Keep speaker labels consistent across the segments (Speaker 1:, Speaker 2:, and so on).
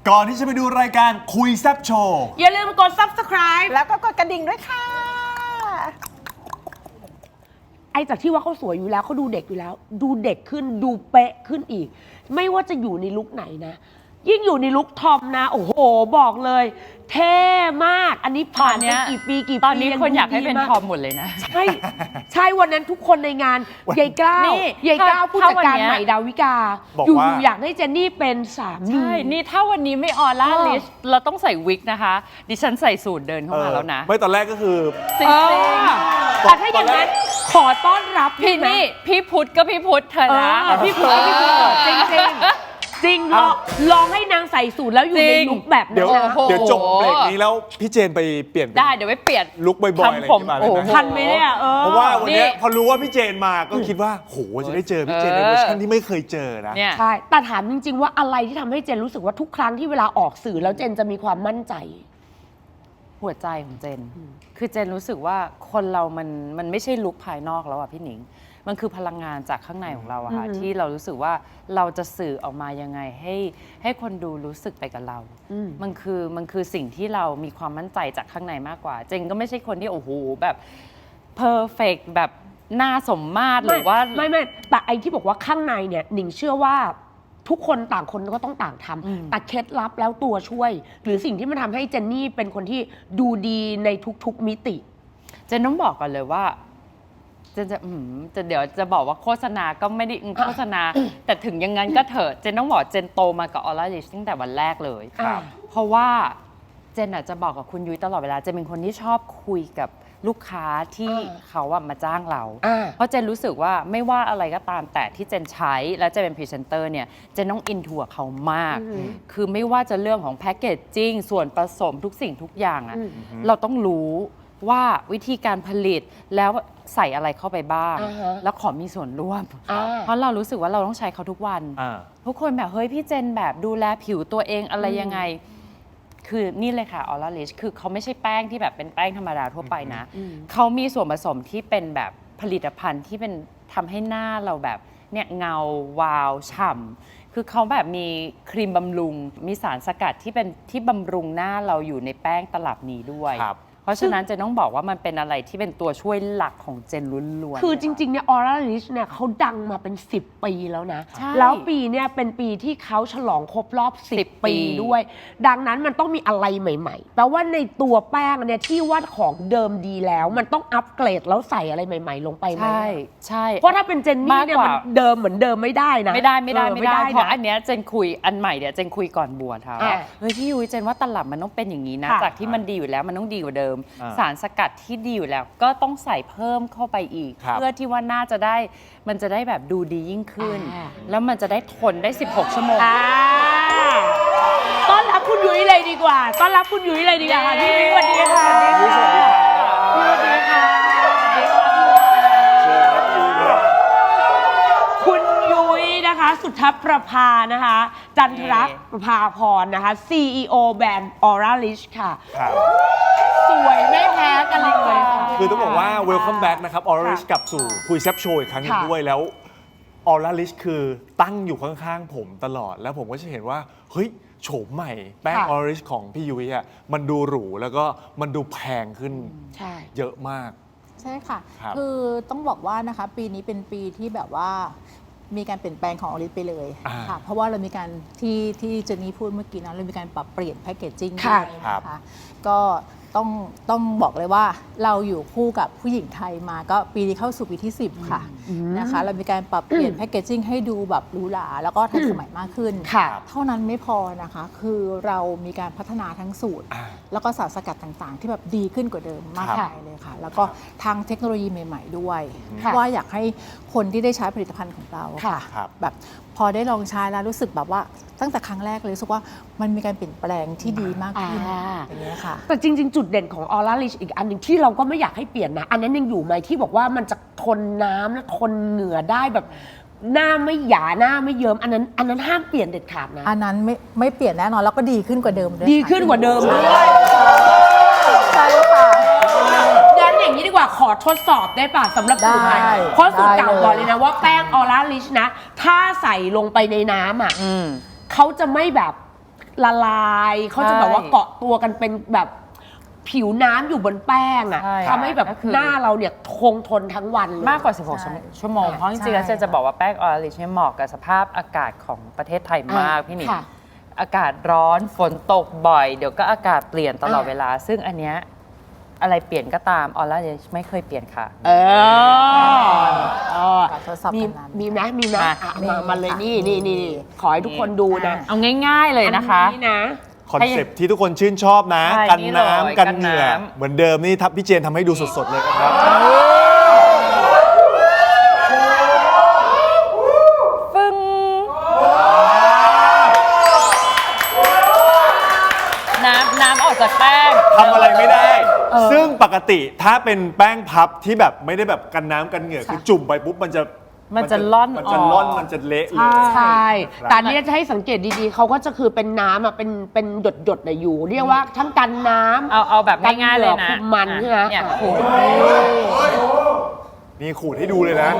Speaker 1: ก่อนที่จะไปดูรายการคุยแซ่บโชว์
Speaker 2: อย่าลืมกด subscribe
Speaker 3: แล้วก็กดกระดิ่งด้วยค่ะ
Speaker 2: ไอ้จากที่ว่าเขาสวยอยู่แล้วเขาดูเด็กอยู่แล้ว ดูเด็กขึ้นดูเป๊ะขึ้นอีก ไม่ว่าจะอยู่ในลุคไหนนะ ยิ่งอยู่ในลุคทอมนะ โอ้โหบอกเลย เท่มากอันนี้ผ่านไปกี่ปี
Speaker 4: ตอนนี้คนอยากให้เป็นทอมหมดเลยนะ
Speaker 2: ใช่ใช่วันนั้นทุกคนในงานยายกล้าวยายกล้าวผู้จัดการใหม่ดาวิกาอยู่อยากให้เจนนี่เป็นสามี
Speaker 4: ใช่นี่ถ้าวันนี้ไม่ออร่าลิชเราต้องใส่วิกนะคะดิฉันใส่สูทเดินเข้ามาแล้วนะ
Speaker 1: ไม่ตอนแรกก็คือ
Speaker 4: จริง
Speaker 2: แต่ถ้าอย่างนั้นขอต้อนรับ
Speaker 4: พี่นี่พี่พุทธก็พี่พุทธเธอนะ
Speaker 2: พี่พุทธจริงจริงลองให้นางใส่สูทแล้วอยู่ในลุคแบบนั้น
Speaker 1: เดี๋ยวจบเบรกนี้แล้วพี่เจนไปเปลี่ยน
Speaker 4: ได้เดี๋ยวไปเปลี่ยน
Speaker 1: ลุคบ่อยๆอะไรอย่างเงี้ยมา
Speaker 2: ทันไหมเนี่ย
Speaker 1: เพราะว่าวันนี้พอรู้ว่าพี่เจนมาก็คิดว่าโหจะได้เจอพี่เจนในเวอร์ชันที่ไม่เคยเจอนะ
Speaker 2: ใช่แต่ถามจริงๆว่าอะไรที่ทำให้เจนรู้สึกว่าทุกครั้งที่เวลาออกสื่อแล้วเจนจะมีความมั่นใจ
Speaker 4: หัวใจของเจนคือเจนรู้สึกว่าคนเรามันไม่ใช่ลุคภายนอกแล้วอะพี่หนิงมันคือพลังงานจากข้างในของเราอะค่ะที่เรารู้สึกว่าเราจะสื่อออกมายังไงให้คนดูรู้สึกไปกับเรามันคือสิ่งที่เรามีความมั่นใจจากข้างในมากกว่าเจนก็ไม่ใช่คนที่โอ้โหแบบเพอร์เฟกต์แบบหน้าสมมาตรหรือว่า
Speaker 2: ไม่แต่ไอ้ที่บอกว่าข้างในเนี่ยหนิงเชื่อว่าทุกคนต่างคนก็ต้องต่างทำแต่เคล็ดลับแล้วตัวช่วยหรือสิ่งที่มันทำให้เจนนี่เป็นคนที่ดูดีในทุกๆมิติ
Speaker 4: เจนต้องบอกก่อนเลยว่าจะเดี๋ยวจะบอกว่าโฆษณาก็ไม่ได้โฆษณาแต่ถึงอย่างนั้นก็เถอะเจนต้องบอกเจนโตมากับออร่าลิชตั้งแต่วันแรกเลยเพราะว่าเจนจะบอกกับคุณยุ้ยตลอดเวลาเจนเป็นคนที่ชอบคุยกับลูกค้าที่เขามาจ้างเราเพราะเจนรู้สึกว่าไม่ว่าอะไรก็ตามแต่ที่เจนใช้และจะเป็นพรีเซนเตอร์เนี่ยเจนต้องอินทัวเขามากคือไม่ว่าจะเรื่องของแพคเกจจิ้งส่วนผสมทุกสิ่งทุกอย่างอะเราต้องรู้ว่าวิธีการผลิตแล้วใส่อะไรเข้าไปบ้างแล้วขอมีส่วนร่วมเพราะเรารู้สึกว่าเราต้องใช้เขาทุกวันทุกคนแบบเฮ้ยพี่เจนแบบดูแลผิวตัวเองอะไรยังไงคือนี่เลยค่ะออร่าลิชคือเขาไม่ใช่แป้งที่แบบเป็นแป้งธรรมดาทั่วไปนะเขามีส่วนผสมที่เป็นแบบผลิตภัณฑ์ที่เป็นทำให้หน้าเราแบบเนี่ยเงาวาวฉ่ำคือเขาแบบมีครีมบำรุงมีสารสกัดที่เป็นที่บำรุงหน้าเราอยู่ในแป้งตลับนี้ด้วยเพราะฉะนั้นเจนต้องบอกว่ามันเป็นอะไรที่เป็นตัวช่วยหลักของเจนล้วน
Speaker 2: ๆคือจริงๆเนี่ยออร่าลิชเนี่ยเขาดังมาเป็น10 ปีแล้วนะแล้วปีเนี่ยเป็นปีที่เขาฉลองครบรอบ10 ปีด้วยดังนั้นมันต้องมีอะไรใหม่ๆแปลว่าในตัวแป้งเนี่ยที่ว่าของเดิมดีแล้วมันต้องอัปเกรดแล้วใส่อะไรใหม่ๆลงไปไหม
Speaker 4: ใช่
Speaker 2: เพราะถ้าเป็นเจนนี่เนี่ยมันเดิมเหมือนเดิมไม่ได้นะ
Speaker 4: ไม่ได้เพราะอันเนี้ยเจนคุยอันใหม่เดี๋ยวเจนคุยก่อนบวชค่ะเฮ้ยพี่ยุ้ยเจนว่าตลับมันต้องเป็นอย่างนี้นะจากที่มันดีอยู่แล้วมันต้องดีกว่าเดิมสารสกัดที่ดีอยู่แล้วก็ต้องใส่เพิ่มเข้าไปอีกเพื่อที่ว่าน่าจะได้มันจะได้แบบดูดียิ่งขึ้นแล้วมันจะได้ทนได้16 ชั่วโมง
Speaker 2: ต้อนรับคุณยุ้ยเลยดีกว่าต้อนรับคุณยุ้ยเลยดีกว่าค่ะพี่ยุ้ยสวัสดีค่ะ
Speaker 1: สวัสดีค่ะ
Speaker 2: สวัสดีค่ะคุณยุ้ยนะคะสุทธประภานะคะจันทรประภาพรนะคะ CEO แบรนด์ Aura Lish ค่ะสวยไม่แพ้กันเลยค่ะ
Speaker 1: คือต้องบอกว่า welcome back นะครับ Aura Lish กลับสู่คุยแซ่บโชว์อีกครั้งนึงด้วยแล้ว Aura Lish คือตั้งอยู่ข้างๆผมตลอดแล้วผมก็จะเห็นว่าเฮ้ยโฉมใหม่แป้ง Aura Lish ของพี่ยุ้ยอ่ะมันดูหรูแล้วก็มันดูแพงขึ้นเยอะมาก
Speaker 3: ใช่ค่ะคือต้องบอกว่านะคะปีนี้เป็นปีที่แบบว่ามีการเปลี่ยนแปลงของออริสไปเลยค่ะเพราะว่าเรามีการที่เจนนี่พูดเมื่อกี้นะเรามีการปรับเปลี่ยนแพคเกจจิ้งด้วยนะคะก็ต้องบอกเลยว่าเราอยู่คู่กับผู้หญิงไทยมาก็ปีนี้เข้าสู่ปีที่10ค่ะนะคะเรามีการปรับเปลี่ยนแพคเกจจิ้งให้ดูแบบหรูหราแล้วก็ทันสมัยมากขึ้นเท่านั้นไม่พอนะคะคือเรามีการพัฒนาทั้งสูตรแล้วก็สารสกัดต่างๆที่แบบดีขึ้นกว่าเดิมมากมายเลยค่ะแล้วก็ทางเทคโนโลยีใหม่ๆด้วยว่าอยากให้คนที่ได้ใช้ผลิตภัณฑ์ของเราค่ะแบบพอได้ลองใช้แล้วรู้สึกแบบว่าตั้งแต่ครั้งแรกเลยรู้สึกว่ามันมีการเปลี่ยนแปลงที่ดีมากขึ้นอย่างนี้ค่ะ
Speaker 2: แต่จริงๆจุดเด่นของออร่าลิชอีกอันหนึ่งที่เราก็ไม่อยากให้เปลี่ยนนะอันนั้นยังอยู่ไหมที่บอกว่ามันจะทนน้ำและทนเหงื่อได้แบบหน้าไม่หยาหน้าไม่เยิ้มอันนั้นห้ามเปลี่ยนเด็ดขาดนะ
Speaker 3: อันนั้นไม่เปลี่ยนแน่นอนแล้วก็ดีขึ้นกว่าเดิมด้วย
Speaker 2: ดีขึ้นกว่าเดิมด้วย
Speaker 3: ใช่ค่ะ
Speaker 2: งั้นอย่างนี้ดีกว่าขอทดสอบได้ป่ะสำหรับสูตรใหม่เพราะสูตรเก่าบอกเลยนะว่าแป้งออร่าลิชนะถ้าใส่ลงไปในน้ำอ่ะเขาจะไม่แบบละลายเขาจะแบบว่าเกาะตัวกันเป็นแบบผิวน้ำอยู่บนแป้งอ่ะ
Speaker 4: ใช่
Speaker 2: ทำให้แบบ
Speaker 4: ก็คือ
Speaker 2: หน้าเราเนี่ยคงทนทั้งวันเลย
Speaker 4: มากกว่า 16 ชั่วโมง เพราะจริงๆแล้วเจนจะบอกว่าแป้งออริชเนี่ยเหมาะกับสภาพอากาศของประเทศไทยมากพี่หนิง
Speaker 2: ค่ะ
Speaker 4: อากาศร้อนฝนตกบ่อย เดี๋ยวก็อากาศเปลี่ยนตลอดเวลา ซึ่งอันเนี้ยอะไรเปลี่ยนก็ตามออร่าไม่เคยเปลี่ยนค่ะ
Speaker 3: ทดสอบ
Speaker 2: มี
Speaker 3: กันนาน
Speaker 2: มีนะมีนะ
Speaker 4: มา
Speaker 2: อ่ะมาเลยนี่ขอให้ทุกคนดูนะ
Speaker 4: เอาง่ายๆเลยนะคะ
Speaker 2: อันี่นะ
Speaker 1: คอนเซปต์ที่ทุกคนชื่นชอบนะ
Speaker 4: ใช่
Speaker 1: กัน
Speaker 4: นี่เลย
Speaker 1: น้ำกันเหงื่อ
Speaker 4: กันน้ำ
Speaker 1: เหมือนเดิมนี่ทับพี่เจนทำให้ดูสดๆเลยครับ
Speaker 4: ฟึ้งน้ำออกจากแป้ง
Speaker 1: ทำอะไรไม่ได้ ซึ่งปกติถ้าเป็นแป้งพับที่แบบไม่ได้แบบกันน้ำกันเหงื่อคือจุ่มไปปุ๊บมันจะ
Speaker 4: ล่อน
Speaker 1: มันจะ
Speaker 4: ออก
Speaker 1: ล่อนมันจะเละเลย
Speaker 2: ใช่
Speaker 1: ครับ
Speaker 2: แต่อันนี้จะให้สังเกตดีๆ เขาก็จะคือเป็นน้ำอ่ะเป็นหยดๆอยู่ เรียกว่าทั้งกันน้ำ
Speaker 4: เอาแบบง่ายๆเลยนะ
Speaker 2: คุมมันใช่ไหม
Speaker 4: เนี่ยขูด
Speaker 1: นี่ขูดให้ดูเลยนะ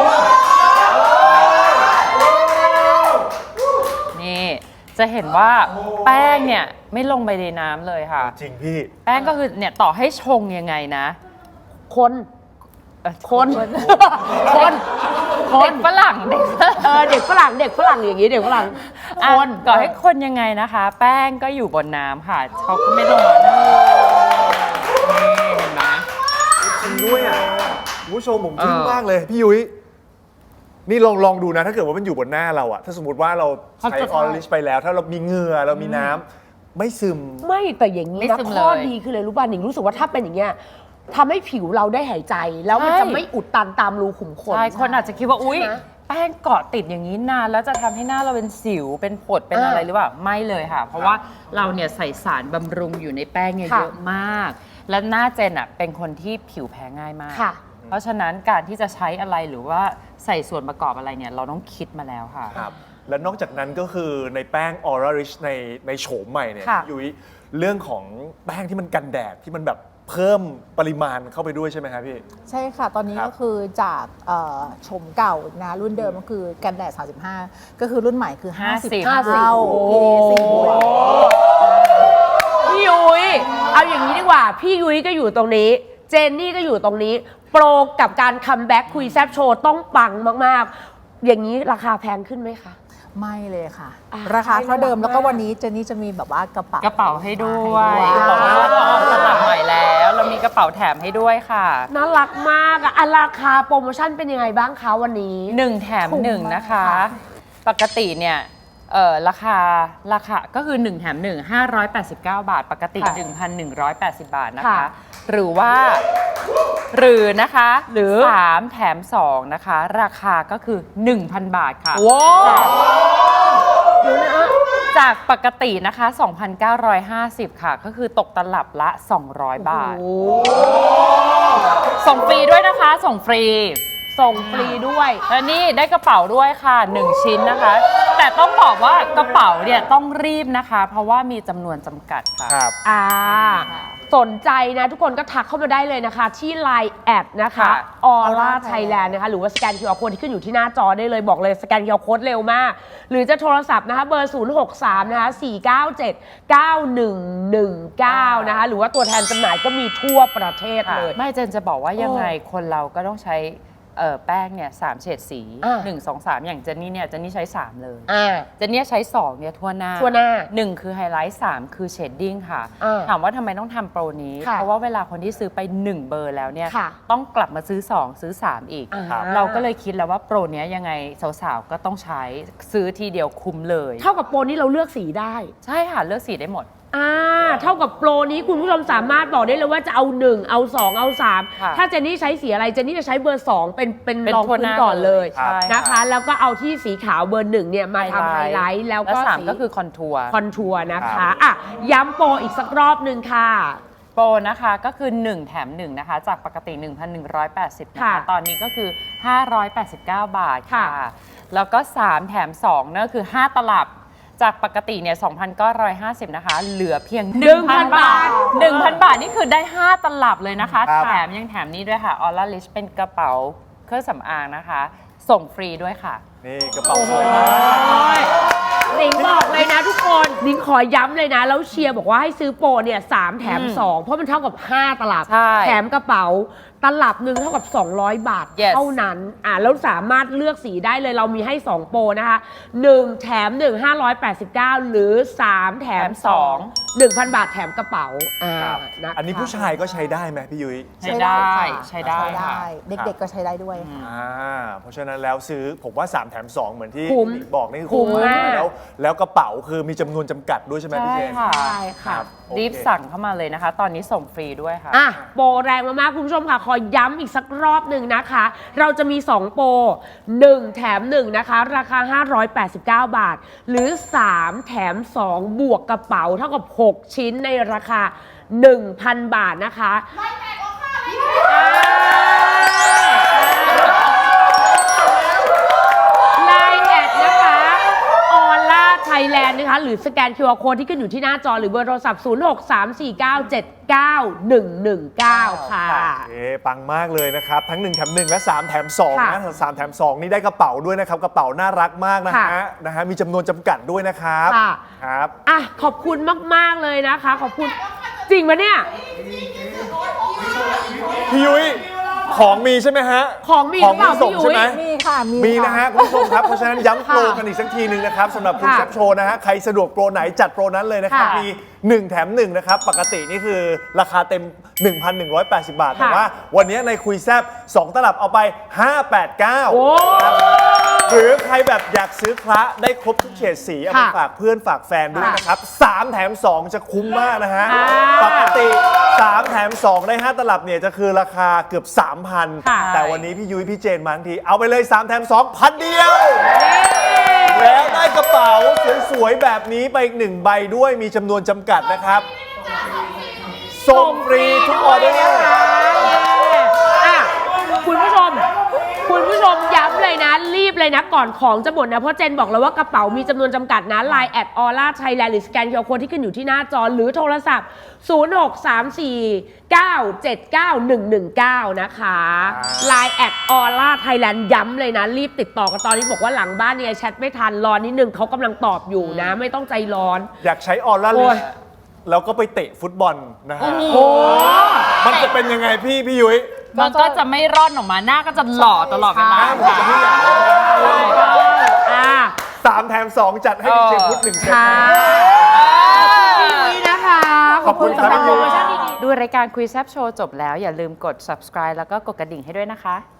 Speaker 4: นี่จะเห็นว่าแป้งเนี่ยไม่ลงไปในน้ำเลยค่ะ
Speaker 1: จริงพี่
Speaker 4: แป้งก็คือเนี่ยต่อให้ชงยังไงนะ
Speaker 2: คน
Speaker 4: คน
Speaker 2: คน
Speaker 4: เด็กฝรั่งเด็กฝรั่ง
Speaker 2: เด็กฝรั่งอย่างนี้เด็กฝรั่ง
Speaker 4: อ่ะ
Speaker 2: คน
Speaker 4: ต่อให้คนยังไงนะคะ แป้งก็อยู่บนน้ำค่ะเขาก็ไม่ลงมานี่เห็นไหม
Speaker 1: จริงด้วยอ่ะคุณผู้ชมผมทึ่ง
Speaker 4: เออ
Speaker 1: มากเลยพี่ยุ้ยนี่ลองดูนะถ้าเกิดว่ามันอยู่บนหน้าเราอะถ้าสมมติว่าเราใช้ออริชไปแล้ว ถ้าเรามีเหงื่อเรามีน้ำไม่ซึม
Speaker 2: ไม่แต่อย่างนี้
Speaker 4: ไม่
Speaker 2: นะ
Speaker 4: ซึม
Speaker 2: ข้อ
Speaker 4: เลย
Speaker 2: ดีคือเลยรู้ป่ะหนิงรู้สึกว่าถ้าเป็นอย่างเงี้ยทำให้ผิวเราได้หายใจ แล้วมัน
Speaker 4: ใช่
Speaker 2: จะไม่อุดตันตามรูขุมขน
Speaker 4: ใช่คนอาจจะคิดว่าอุ๊ย
Speaker 2: ใช่ไหม
Speaker 4: แป้งเกาะติดอย่างนี้นานแล้วจะทำให้หน้าเราเป็นสิวเป็นผดเป็นอะไรหรือเปล่าไม่เลยค่ะ เพราะว่าเราเนี่ยใส่สารบำรุงอยู่ในแป้งเนี่ย
Speaker 2: ค่ะ
Speaker 4: เยอะมาก และหน้าเจนอะเป็นคนที่ผิวแพ้ง่ายมาก
Speaker 2: ค่ะ
Speaker 4: เพราะฉะนั้นการที่จะใช้อะไรหรือว่าใส่ส่วนประกอบอะไรเนี่ยเราต้องคิดมาแล้วค่ะ
Speaker 1: ครับและนอกจากนั้นก็คือในแป้ง Aura Rich ในโฉมใหม่เนี่ย
Speaker 4: ค่ะ
Speaker 1: พี่ยุ้ยเรื่องของแป้งที่มันกันแดดที่มันแบบเพิ่มปริมาณเข้าไปด้วยใช่ไหมครับพี่
Speaker 3: ใช่ค่ะ ตอนนี้
Speaker 1: ครับ
Speaker 3: ก็คือจากโฉมเก่านะรุ่นเดิมก็คือกันแดด 35 ก็คือรุ่นใหม่คือ 50
Speaker 4: 50
Speaker 3: เท่า PA 10บวก
Speaker 2: พี่ยุ้ยเอาอย่างนี้ดีกว่า พี่ยุ้ยก็อยู่ตรงนี้ เจนนี่ก็อยู่ตรงนี้ โปรกับการคัมแบ็กคุยแซบโชว์ต้องปังมากๆ อย่างนี้ราคาแพงขึ้นไหมคะ
Speaker 3: ไม่เลยค่ะ
Speaker 2: อ่ะ
Speaker 3: ราคาเท่าเดิม
Speaker 2: น่ารัก
Speaker 3: แล้วก็
Speaker 2: มาก
Speaker 3: วันนี้เจนนี่จะมีแบบว่ากระเป๋าก
Speaker 4: ระเป๋าให้ด้วย
Speaker 3: ให้
Speaker 4: บอกเลยว่าเราออกสลับใหม่แล้ว เรามีกระเป๋าแถมให้ด้วยค่ะ
Speaker 2: น่ารักมากอะราคาโปรโมชั่นเป็นยังไงบ้างคะวันนี้
Speaker 4: 1 แถม
Speaker 3: คุ้ม
Speaker 4: 1 นะคะ
Speaker 3: มากค่ะ
Speaker 4: ปกติเนี่ยราคาก็คือ 1 แถม 1 589 บาท ปกติ
Speaker 2: ค่ะ
Speaker 4: 1,180 บาทนะคะ
Speaker 2: ค่ะ
Speaker 4: หรือนะคะ
Speaker 2: หรือ
Speaker 4: 3 แถม 2 นะคะ ราคาก็คือ 1,000 บาทค่ะ
Speaker 2: ว้าวเดี๋ยวนะ
Speaker 4: จากปกตินะคะ 2,950 ค่ะ ก็คือตกตลับละ 200 บาท
Speaker 2: โอ้
Speaker 4: ส่งฟรีด้วยนะคะ ส่งฟรี
Speaker 2: ส่งฟรีด้วย
Speaker 4: แล้วนี่ได้กระเป๋าด้วยค่ะ 1 ชิ้นนะคะ แต่ต้องบอกว่ากระเป๋าเนี่ยต้องรีบนะคะ เพราะว่ามีจำนวนจำกัดค่ะ
Speaker 1: ครับ
Speaker 2: สนใจนะทุกคนก็ทักเข้ามาได้เลยนะคะ ที่ Line แอดนะคะ
Speaker 4: ค่ะ
Speaker 2: Aura Thailand นะคะหรือว่าสแกน QR Code ที่ขึ้นอยู่ที่หน้าจอได้เลยบอกเลยสแกน QR Code เร็วมาก หรือจะโทรศัพท์นะคะเบอร์ 063 นะคะ 497 9119 นะคะหรือว่าตัวแทนจำหน่ายก็มีทั่วประเทศเลย
Speaker 4: ไม่เจนจะบอกว่ายังไงคนเราก็ต้องใช้แป้งเนี่ย3เฉดสี
Speaker 2: อ่า
Speaker 4: 1 2 3 อย่างเจนนี่เนี่ยเจนนี่ใช้ 3 เลย
Speaker 2: อ่า
Speaker 4: เจนนี่ใช้ 2 เนี่ยทั่วหน้า
Speaker 2: ทั่วหน้า
Speaker 4: 1 คือไฮไลท์ 3 คือเชดดิ้งค่ะ
Speaker 2: อ่า
Speaker 4: ถามว่าทำไมต้องทำโปรนี้
Speaker 2: ค่ะ
Speaker 4: เพราะว่าเวลาคนที่ซื้อไป 1 เบอร์แล้วเนี่ย
Speaker 2: ค่ะ
Speaker 4: ต้องกลับมาซื้อ 2 ซื้อ 3 อีก
Speaker 2: ครับ
Speaker 4: เราก็เลยคิดแล้วว่าโปรเนี้ยยังไงสาวๆ ก็ต้องใช้ซื้อทีเดียวคุ้มเลย
Speaker 2: เท่ากับโปรนี้เราเลือกสีได้
Speaker 4: ใช่ค่ะ เลือกสีได้หมด
Speaker 2: เท่ากับโปรนี้คุณผู้ชมสามารถบอกได้เลยว่าจะเอา 1 เอา 2 เอา
Speaker 4: ค่ะ
Speaker 2: 3 ถ้าเจนนี่ใช้สีอะไรเจนนี่จะใช้เบอร์ 2 เป็น
Speaker 4: เป็น
Speaker 2: รอง
Speaker 4: ทั่ว
Speaker 2: พื้
Speaker 4: ห
Speaker 2: น
Speaker 4: น้า
Speaker 2: ก่อนเลย
Speaker 4: ใช่
Speaker 2: นะคะ แล้วก็เอาที่สีขาวเบอร์ 1เนี่ยมาทำไฮไลท์แล้วก็
Speaker 4: และ
Speaker 2: สี
Speaker 4: 3ก็คือคอนทัวร์
Speaker 2: คอนทัวร์นะ
Speaker 1: ครั
Speaker 2: คะ
Speaker 1: บ
Speaker 2: อ่ะย้ำโปรอีกสักรอบหนึ่งค่ะ
Speaker 4: โปรนะคะก็คือ 1 แถม 1 นะคะ จากปกติ 1,180 นะ
Speaker 2: ค่ะ
Speaker 4: คะ ตอนนี้ก็คือ 589 บาทค่ะ
Speaker 2: ค่ะ
Speaker 4: แล้วก็ 3 แถม2นั่นก็คือ 5 ตลับ จากปกติเนี่ย 2,950 นะคะ เหลือเพียง 1,000 บาท 1,000 บาท นี่คือได้ 5 ตลับเลยนะคะ
Speaker 1: ครับ
Speaker 4: แถมยังแถมนี้ด้วยค่ะ Aura Rich เป็นกระเป๋าเครื่องสำอางนะคะ ส่งฟรีด้วยค่ะ
Speaker 1: นี่กระเป๋าสวยมาก
Speaker 2: โหนิงบอกเลยนะทุกคนหนิงขอย้ำเลยนะ แล้วเชียร์บอกว่าให้ซื้อโปรเนี่ย3 แถม 2 เพราะมันเท่ากับ 5 ตลับ
Speaker 4: ใช่
Speaker 2: แถมกระเป๋าตลับหนึ่งเท่ากับ 200 บาท
Speaker 4: Yes
Speaker 2: เท่านั้นแล้วสามารถเลือกสีได้เลยเรามีให้ 2 โปรนะคะ1แถม1 589 หรือ 3 แถม 2 1,000 บาทแถมกระเป๋านะคะ
Speaker 1: อันนี้ผู้ชายก็ใช้ได้ไหมพี่ยุ้ย
Speaker 4: ใช้ได้
Speaker 3: ค่ะ
Speaker 4: ใช้ได้ค่ะ
Speaker 3: เด็กๆก็ใช้ได้ด้วยค่ะ
Speaker 1: เพราะฉะนั้นแล้วซื้อผมว่า 3 แถม 2 เหมือนที่
Speaker 2: คุ้ม
Speaker 1: หนิงบอกนี่คือ
Speaker 2: คุ้มมาก
Speaker 1: แล้วกระเป๋าคือมีจำนวนจำกัดด้วยใช่ไหมพี่เจน
Speaker 4: ใช่ค่ะ
Speaker 2: ใช่ค่ะ
Speaker 1: โอเค
Speaker 4: รีบสั่งเข้ามาเลยนะคะ ตอนนี้ส่งฟรีด้วยค่ะ
Speaker 2: โปรแรงมากๆคุณผู้ชมค่ะ ขอย้ำอีกสักรอบหนึ่งนะคะ เราจะมี 2 โปร 1 แถม 1 นะคะ ราคา 589 บาท หรือ 3 แถม 2 บวกกระเป๋าเท่ากับ 6 ชิ้นในราคา 1,000 บาทนะคะไลน์แอดนะคะออล่าไทยแลนด์นะคะ หรือสแกน QR Code ที่ขึ้นอยู่ที่หน้าจอหรือเบอร์โทรศัพท์ 0634979119 ค่ะ
Speaker 1: ปังมากเลยนะครับ ทั้ง 1 แถม 1 และ 3 แถม 2
Speaker 2: ค่ะ
Speaker 1: นะ3 แถม 2 นี่ได้กระเป๋าด้วยนะครับ กระเป๋าน่ารักมากนะ
Speaker 2: ค่ะ
Speaker 1: ฮะมีจำนวนจำกัดด้วยนะครับ
Speaker 2: ค่ะ
Speaker 1: ครับ
Speaker 2: ขอบคุณมาก ๆ เลยนะคะ ขอบคุณจริงปะเนี่ย
Speaker 1: พี่ยุ้ยของมีใช่ไหมฮะ
Speaker 2: ของมีหรือเปล่า
Speaker 1: ส่ง
Speaker 2: พี่ยุ้
Speaker 1: ใช่
Speaker 2: ย
Speaker 1: ไหม
Speaker 3: มีค่ะ
Speaker 1: มีนะฮะคุณผู้ชมครับ เพราะฉะนั้นย้ำโปรกันอีกสักทีหนึ่งนะครับสำหรับคุณ
Speaker 2: ค่ะ
Speaker 1: แซปโชว์นะฮะใครสะดวกโปรไหนจัดโปรนั้นเลยนะครับ
Speaker 2: ค่ะ
Speaker 1: มี 1 แถม 1 นะครับ ปกตินี่คือราคาเต็ม 1,180 บาท แต่
Speaker 2: ค่ะ
Speaker 1: ว่าวันนี้ในคุยแซบ2 ตลับเอาไป 589
Speaker 2: โอ้
Speaker 1: หรือใครแบบอยากซื้อคละได้ครบทุกเฉดสีเอาไป
Speaker 2: ค่ะ
Speaker 1: ฝากเพื่อนฝากแฟนด้วย
Speaker 2: ค่ะ
Speaker 1: นะครับ 3 แถม 2 จะคุ้มมากนะฮะ
Speaker 2: ค่ะ
Speaker 1: ปกติ 3 แถม 2 ได้ 5 ตลับเนี่ยจะคือราคาเกือบ 3,000
Speaker 2: ค่ะ
Speaker 1: แต่วันนี้พี่ยุ้ยพี่เจนมาทั้งที เอาไปเลย 3 แถม 2 พันเดียว แล้วได้กระเป๋าสวยๆ แบบนี้ไปอีก 1 ใบด้วยมีจำนวนจำกัดนะครับ ส่งฟรีทุกออเดอร์
Speaker 2: คุณผู้ชมย้ำเลยนะ รีบเลยนะ ก่อนของจะหมดนะ เพราะเจนบอกแล้วว่ากระเป๋ามีจำนวนจำกัดนะ Line แอดออร่าไทยแลนด์หรือสแกน QR Code ที่ขึ้นอยู่ที่หน้าจอ หรือโทรศัพท์ 0634979119 นะคะ Line แอดออร่าไทยแลนด์ย้ำเลยนะ รีบติดต่อกันตอนนี้บอกว่าหลังบ้านเนี่ยแชทไม่ทันรอนิดนึงเขากำลังตอบอยู่นะ ไม่ต้องใจร้อน
Speaker 1: อยากใช้ออร่า
Speaker 2: โอ้
Speaker 1: ลิ
Speaker 2: ย
Speaker 1: สแล้วก็ไปเตะฟุตบอลนะฮะ
Speaker 2: โอ้
Speaker 1: มันจะเป็นยังไงพี่ยุ้ย
Speaker 4: มันก็จะไม่ร่อนออกมาหน้าก็จะหล่อตลอดเวลา
Speaker 1: ผมจะไม่อยาก
Speaker 2: อ่า
Speaker 1: 3 แถม 2 จัดให้ดีเจพุทธ1 เซต
Speaker 2: ค่ะ
Speaker 1: นะ
Speaker 2: พี่ยุ้ยนะคะ
Speaker 1: ขอบคุณครับ
Speaker 2: สำหรับโปรโมชั่นดีๆ
Speaker 4: ดูรายการคุยแซบโชว์จบแล้วอย่าลืมกด subscribe แล้วก็กดกระดิ่งให้ด้วยนะคะ